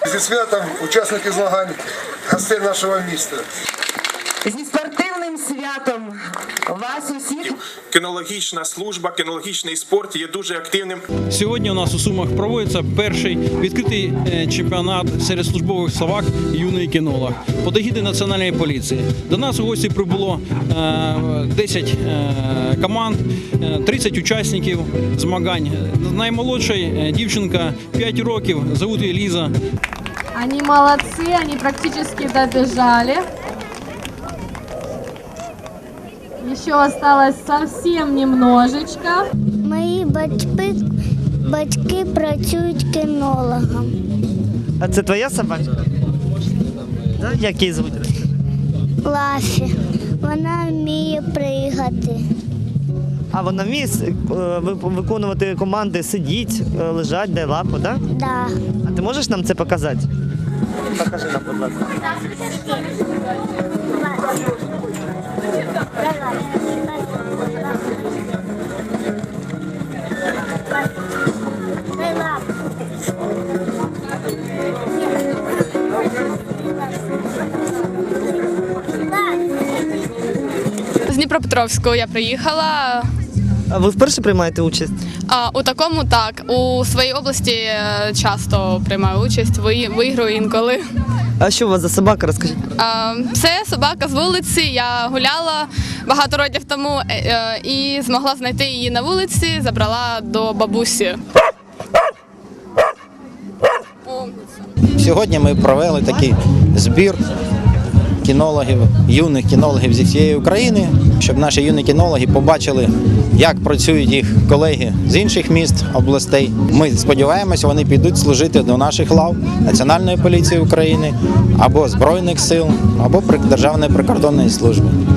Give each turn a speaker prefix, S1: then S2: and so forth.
S1: Зі святом учасники змагань, гостей нашого міста.
S2: Зі спортивним святом вас усіх.
S3: Кінологічна служба, кінологічний спорт є дуже активним.
S4: Сьогодні у нас у Сумах проводиться перший відкритий чемпіонат серед службових собак юний кінолог під егідою Національної поліції. До нас у гості прибуло 10 команд, 30 учасників змагань. Наймолодша дівчинка 5 років, звуть її Ліза.
S5: Они молодцы, они практически добежали. Еще осталось совсем немножечко.
S6: Мої батьки працюють кінологом.
S7: А це твоя собачка? Да? Як її звуть?
S6: Лафі. Вона вміє пригати.
S7: А вона вміє виконувати команди сидіть, лежать, дай лапу, так?
S6: Да.
S7: А ти можеш нам це показати? Покажи нам, будь ласка.
S8: З Дніпропетровського я приїхала.
S7: А ви вперше приймаєте участь?
S8: У такому так. У своїй області часто приймаю участь, виграю інколи.
S7: А що у вас за собака, розкажіть?
S8: Це собака з вулиці. Я гуляла багато років тому і змогла знайти її на вулиці, забрала до бабусі.
S9: Сьогодні ми провели такий збір кінологів, юних кінологів зі всієї України, щоб наші юні кінологи побачили, як працюють їх колеги з інших міст, областей. Ми сподіваємося, вони підуть служити до наших лав Національної поліції України, або Збройних сил, або Державної прикордонної служби.